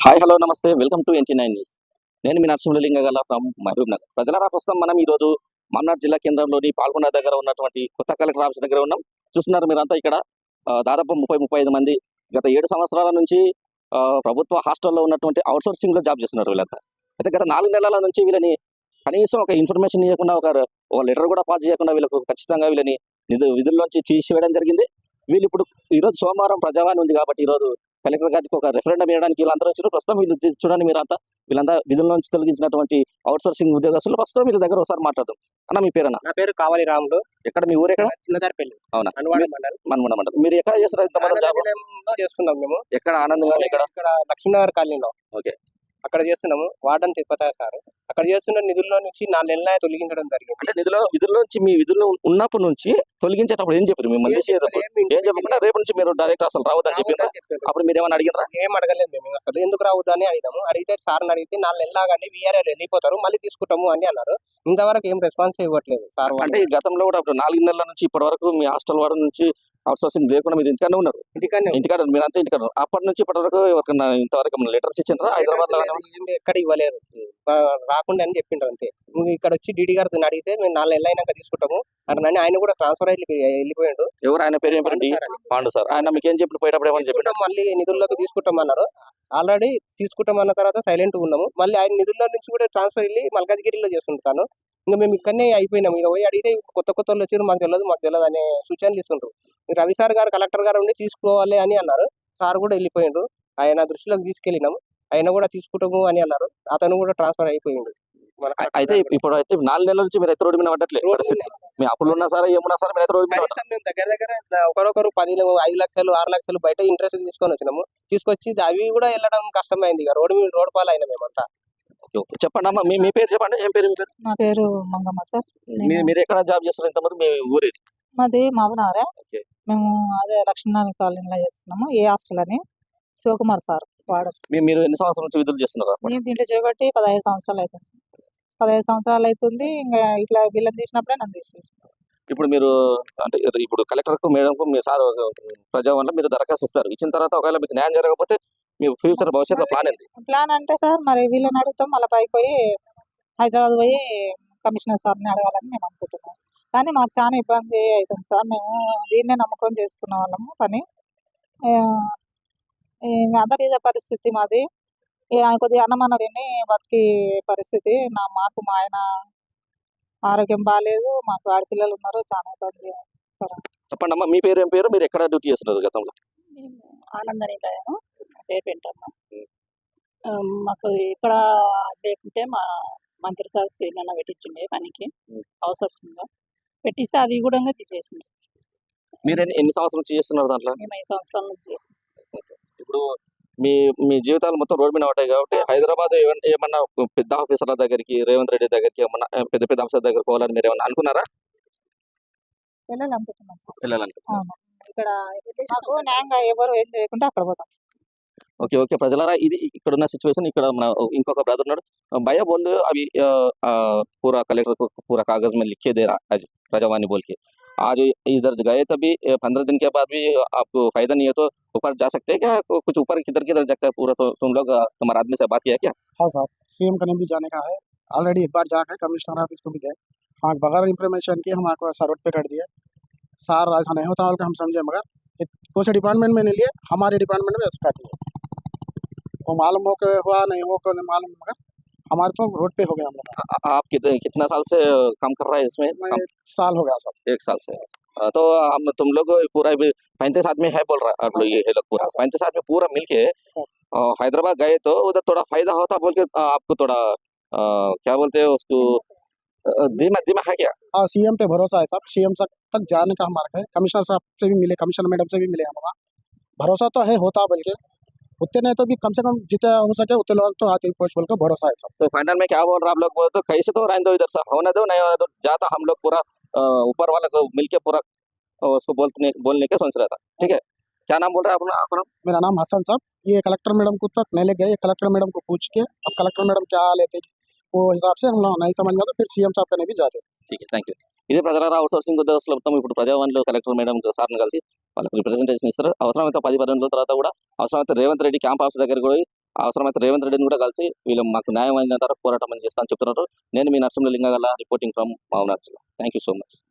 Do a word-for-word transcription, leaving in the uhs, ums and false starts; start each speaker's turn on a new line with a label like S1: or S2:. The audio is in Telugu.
S1: హాయ్ హలో నమస్తే welcome to N T nine news. నేను మీ నరసింహలింగ గల ఫ్రమ్ మహబూబ్ నగర్. ప్రజలారా, ప్రస్తుతం మనం ఈరోజు మన్నార్ జిల్లా కేంద్రంలోని పాల్గొండ దగ్గర ఉన్నటువంటి కొత్త కలెక్టర్ ఆఫీస్ దగ్గర ఉన్నాం. చూస్తున్నారు మీరంతా ఇక్కడ ఆ, దాదాపు ముప్పై ముప్పై ఐదు మంది గత ఏడు సంవత్సరాల నుంచి ఆ, ప్రభుత్వ హాస్టల్లో ఉన్నటువంటి అవుట్సోర్సింగ్ లో జాబ్ చేస్తున్నారు వీళ్ళంతా. అయితే గత నాలుగు నెలల నుంచి వీళ్ళని కనీసం ఒక ఇన్ఫర్మేషన్ ఇవ్వకుండా, ఒక ఒక లెటర్ కూడా పాస్ చేయకుండా వీళ్ళకు ఖచ్చితంగా వీళ్ళని నిధు విధుల్లోంచి తీసివేయడం జరిగింది. వీళ్ళు ఇప్పుడు ఈరోజు సోమవారం ప్రజావాణి ఉంది కాబట్టి ఈరోజు కలెక్టర్ గారికి ఒక రెఫరెండం వేయడానికి వీళ్ళందరూ వచ్చారు. ప్రస్తుతం వీళ్ళు తీ- చూడండి మీరంతా వీళ్ళంతా విధుల నుంచి తొలగించినటువంటి అవుట్సోర్సింగ్ ఉద్యోగస్తులు. ప్రస్తుతం వీళ్ళ దగ్గర ఒకసారి మాట్లాడదాం. అన్న, మీ పేరన్నా?
S2: నా పేరు కావాలి రాములు.
S1: ఎక్కడ మీ ఊరు? ఎక్కడ?
S2: చిన్నదారిపల్లి,
S1: అవునా?
S2: అనువాడ
S1: మీ-
S2: మండలం.
S1: మనముడ మండలం. మీరు ఎక్కడ చేస్తారు ఇంతమంది జాబ్?
S2: ఆనందనిలయంలో చేస్తున్నాం మేము.
S1: ఎక్కడ? ఆనందంగా ఎక్కడ?
S2: ఇక్కడ లక్ష్మీనగర్ కాలనీలో
S1: ఓకే.
S2: అక్కడ చేస్తున్నాము. వార్డన్ తిరుపతి సార్ అక్కడ చేస్తున్న నిధుల్లో నుంచి నాలుగు నెలల తొలగించడం జరిగింది.
S1: అంటే నిధుల విధుల్లోంచి మీ విధుల్లో ఉన్నప్పటి నుంచి తొలగించేటప్పుడు ఏం చెప్పారు మిమ్మల్ని?
S2: ఏం చెప్పలేదు, ఏం
S1: ఏం చెప్పకుండా రేపు నుంచి మీరు డైరెక్ట్ అసలు రావద్దని చెప్పారు.
S2: రావద్దని చెప్పారు.
S1: అప్పుడు మీరు ఏమైనా అడిగినరా?
S2: ఏం అడగలేదు మేము అసలు. ఎందుకు రావద్దు అని అడిగాము. అడిగితే సార్ని అడిగితే నాలుగు నెలలు ఆగండి, వీఆర్ఎల్ వెళ్ళిపోతారు, మళ్ళీ తీసుకుంటాము అని అన్నారు. ఇంతవరకు ఏం రెస్పాన్స్ ఇవ్వట్లేదు సార్ వాళ్ళు.
S1: అంటే ఈ గతంలో కూడా అప్పుడు నాలుగు నెలల నుంచి ఇప్పటి వరకు మీ హాస్టల్ వారి నుంచి అవుట్సోర్సింగ్ లేకుండా మీరు ఇంటికానే ఉన్నారు.
S2: ఇంటికనే
S1: ఇంటికాడ మీరంతా ఇంటికాడ ఉన్నారు. అప్పటి నుంచి ఇప్పటి వరకు ఎవరికైనా ఇంతవరకు లెటర్స్ ఇచ్చిండ్రా హైదరాబాద్ లో?
S2: ఏం ఎక్కడ ఇవ్వలేదు, ఆ, రాకుండా అని చెప్పిండ్రు అంతే. నువ్వు ఇక్కడ వచ్చి డీడీ గారితో అడిగితే మేము నాలుగు నెలలు అయినాక తీసుకుంటాము అని ఆయన కూడా ట్రాన్స్ఫర్ అయ్యి వెళ్ళిపోయాడు.
S1: ఎవరు ఆయన పేరు? ఏం పేరు? D Pandu sir. ఆయన మీకు ఏం చెప్పి పోయేటప్పుడు ఏమని చెప్పి?
S2: తీసుకుంటాం, మళ్ళీ నిధుల్లోకి తీసుకుంటాం అన్నారు. ఆల్రెడీ తీసుకుంటాం అన్న తర్వాత సైలెంట్ ఉన్నాము. మళ్ళీ ఆయన నిధుల్లో నుంచి కూడా ట్రాన్స్ఫర్ వెళ్ళి మల్కాజ్గిరిలో చేస్తుంటాను. ఇంకా మేము ఇక్కడనే అయిపోయినాం. ఇక పోయి అడిగితే కొత్త కొత్త వాళ్ళు వచ్చారు, మాకు తెలియదు మాకు తెలియదు అనే సూచనలు ఇస్తుంటారు. రవి సార్ గారు కలెక్టర్ గారు ఉండి తీసుకోవాలి అని అన్నారు. సార్ కూడా వెళ్ళిపోయిండు. ఆయన దృష్టిలోకి తీసుకెళ్ళినాము. ఆయన కూడా తీసుకుంటాము అని అన్నారు. అతను కూడా ట్రాన్స్ఫర్ అయిపోయిండు. మన
S1: అయితే ఇప్పుడు అయితే నాలుగు నెలల నుంచి మీరు అయితే రోడ్డు మీద పడ్డట్లేదు పరిస్థితి. మీ అప్పులు ఉన్నా సరే ఏమున్నా సరే మీరు అయితే రోడ్డు మీద పడ్డారు.
S2: కనీసం మేము దగ్గర దగ్గర ఒకరొకరు పది ఐదు లక్షలు ఆరు లక్షలు బయట ఇంట్రెస్ట్ తీసుకొని వచ్చినాము. తీసుకొచ్చి అవి కూడా వెళ్ళడం కష్టమైంది. ఇక రోడ్డు మీద రోడ్డు పాలు అయినా మేమంతా.
S1: Okay, okay. చెప్పండి అమ్మా, మీ మీ పేరు చెప్పండి. ఏం పేరు మీ పేరు?
S3: నా పేరు మంగమ్మ సార్.
S1: మీ- మీరు ఎక్కడ జాబ్ చేస్తారు ఇంతమంది? మీ ఊరి?
S3: మాది మావనారే.
S1: ఓకే.
S3: మేము అదే లక్ష్మీనారాయణ కాలనీలో చేస్తున్నాము. ఏ హాస్టల్ అని శివకుమార్ సార్ వాడు.
S1: మీ- మీరు ఎన్ని సంవత్సరాల నుంచి విధులు చేస్తున్నారు?
S3: నేను దీంట్లో చేయబట్టి పదహైదు సంవత్సరాలు అవుతుంది సార్. పదహైదు సంవత్సరాలు అవుతుంది. ఇంకా ఇట్లా బిల్లం తీసినప్పుడే నన్ను తీసేసి.
S1: ఇప్పుడు మీరు అంటే ఇప్పుడు కలెక్టర్ కు మేడం కు మీ సార్ ప్రజావన్లో మీరు దరఖాస్తు ఇస్తారు. ఇచ్చిన తర్వాత ఒకవేళ మీకు న్యాయం జరగకపోతే మీ ఫ్యూచర్ భవిష్యత్తులో ప్లాన్ ఏంటి?
S3: ప్లాన్ అంటే సార్ మరి వీళ్ళని అడుగుతాం, మళ్ళీ పైకి పోయి హైదరాబాద్ పోయి కమిషనర్ సార్ని అడగాలని మేము అనుకుంటున్నాం. కానీ మాకు చాలా ఇబ్బంది అవుతుంది సార్. మేము దీన్నే నమ్మకం చేసుకున్న వాళ్ళము పని. ఆ, ఈ అందరి ఇదే పరిస్థితి మాది. ఈ ఆయన కొద్దిగా అన్నమన్న తిని బతికి పరిస్థితి. నా మాకు మా ఆయన ఆరోగ్యం బాగాలేదు, మాకు ఆడపిల్లలు ఉన్నారు, చాలా ఇబ్బంది సార్.
S1: చెప్పండి అమ్మా, మీ పేరు ఏం పేరు? మీరు ఎక్కడ డ్యూటీ చేస్తున్నారు గతంలో?
S4: మేము ఆనందనిలయము, నా పేరు పెంటమ్మ. ఆ, మాకు ఇక్కడ లేకుంటే మా మంత్రి సార్ సీనన్న పెట్టించిండే పనికి అవసరంగా పెట్టిస్తే అది కూడా తీసేసింది సార్.
S1: మీరు ఎన్ని ఎన్ని సంవత్సరాల నుంచి చేస్తున్నారు దాంట్లో?
S4: మేము ఐదు సంవత్సరాల నుంచి చేస్తాం.
S1: ఇప్పుడు మీ మీ జీవితాలు మొత్తం రోడ్డు మీద ఉంటాయి కాబట్టి హైదరాబాద్ ఏమన్నా ఏమన్నా పెద్ద ఆఫీసర్ల దగ్గరికి, రేవంత్ రెడ్డి దగ్గరికి, ఏమన్నా పెద్ద పెద్ద ఆఫీసర్ దగ్గరికి పోవాలని మీరు ఏమన్నా అనుకున్నారా?
S3: వెళ్ళాలనుకుంటున్నాం సార్.
S1: వెళ్ళాలనుకుంటున్నారు.
S3: అవును. ఇక్కడ మాకు న్యాయంగా ఎవరు ఏం చేయకుండా అక్కడ పోతాం.
S1: Okay, okay. ప్రజలారా, ఇది ఇక్కడ ఉన్న సిచ్యువేషన్. ఇక్కడ మన ఇంకొక బ్రదర్ ఉన్నాడు. भैया बोल रहे हो अभी अ, अ, पूरा कलेक्टर को पूरा कागज में लिख के दे रहा आज प्रजावाणी बोल के आज इधर गए तभी पंद्रह दिन के बाद भी आपको फायदा नहीं है तो ऊपर जा सकते हैं क्या? को- कुछ ऊपर किधर किधर जाता है पूरा? तो तुम लोग अ, तुम्हारे आदमी से बात किया क्या?
S5: हाँ साहब, सीएम कने भी जाने का है। ऑलरेडी एक बार जाकर कमिश्नर ऑफिस को भी गए। हाँ, बगैर इंफॉर्मेशन के हम आपको सर्वर पे कर दिए। सार ऐसा नहीं होता होगा, हम समझे, मगर ये कुछ डिपार्टमेंट में नहीं लिए, हमारे डिपार्टमेंट में ऐसा कर दिए। वो मालूम हो के हुआ, नहीं हो के नहीं मालूम, मगर हमारे तो रोड पे हो गया हम लोग।
S1: आ- आप कितने कितना साल से काम कर रहा है इसमें?
S5: मैं
S1: काम?
S5: एक साल हो गया साहब।
S1: एक साल से। अ, तो हम तुम लोग पूरा पैंतीस आदमी है बोल रहा है आप लोग, ये लोग पूरा पैंतीस आदमी पूरा मिलके अ, हैदराबाद गए तो उधर थोड़ा फायदा होता बोल के अ, आपको थोड़ा अ, क्या बोलते हैं उसको अ, धीमा धीमा है क्या?
S5: हाँ, सीएम पे भरोसा है साहब। सीएम तक जाने का हमारा है। कमिश्नर साहब से भी मिले, कमिश्नर मैडम से भी मिले हमारा। भरोसा तो है, होता बल्कि उतने नहीं तो भी कम से कम जितना हो सके उतने लोग तो आते ही पोस्ट बोल कर भरोसा है सब।
S1: तो फाइनल में क्या बोल रहा आप लोग? बोल तो कैसे तो रहने दो इधर से, होने दो, नहीं होने दो, जाता हम लोग पूरा अ, ऊपर वाले को मिलके पूरा अ, उसको बोलने बोलने के सोच रहा था। ठीक है, क्या नाम बोल रहे हैं अपना अपना?
S5: मेरा नाम हसन साहब। ये कलेक्टर मैडम को तक नहीं ले गए। कलेक्टर मैडम को पूछ के अब कलेक्टर मैडम क्या लेते वो हिसाब से हम लोग नहीं समझ में तो फिर सीएम साहब कने भी जाते।
S1: ठीक है, థ్యాంక్ యూ. ఇదే ప్రజలారా, అవుట్సోర్సింగ్ ఉద్యోగస్తులు మొత్తం ఇప్పుడు ప్రజావాణిలో కలెక్టర్ మేడం సార్ని కలిసి వాళ్ళకి రిప్రజెంటేషన్ ఇస్తారు. అవసరమైతే పది పదిహేను రోజుల తర్వాత కూడా అవసరమైతే రేవంత్ రెడ్డి క్యాంప్ ఆఫీస్ దగ్గర కూడా అవసరమైతే రేవంత్ రెడ్డిని కూడా కలిసి వీళ్ళు మాకు న్యాయం అయిన తర్వాత పోరాటం అని చేస్తానని చెప్తున్నారు. నేను మీ నరసింహలింగ గల రిపోర్టింగ్ ఫ్రమ్ మహబూబ్నగర్ జిల్లా. Thank you so much.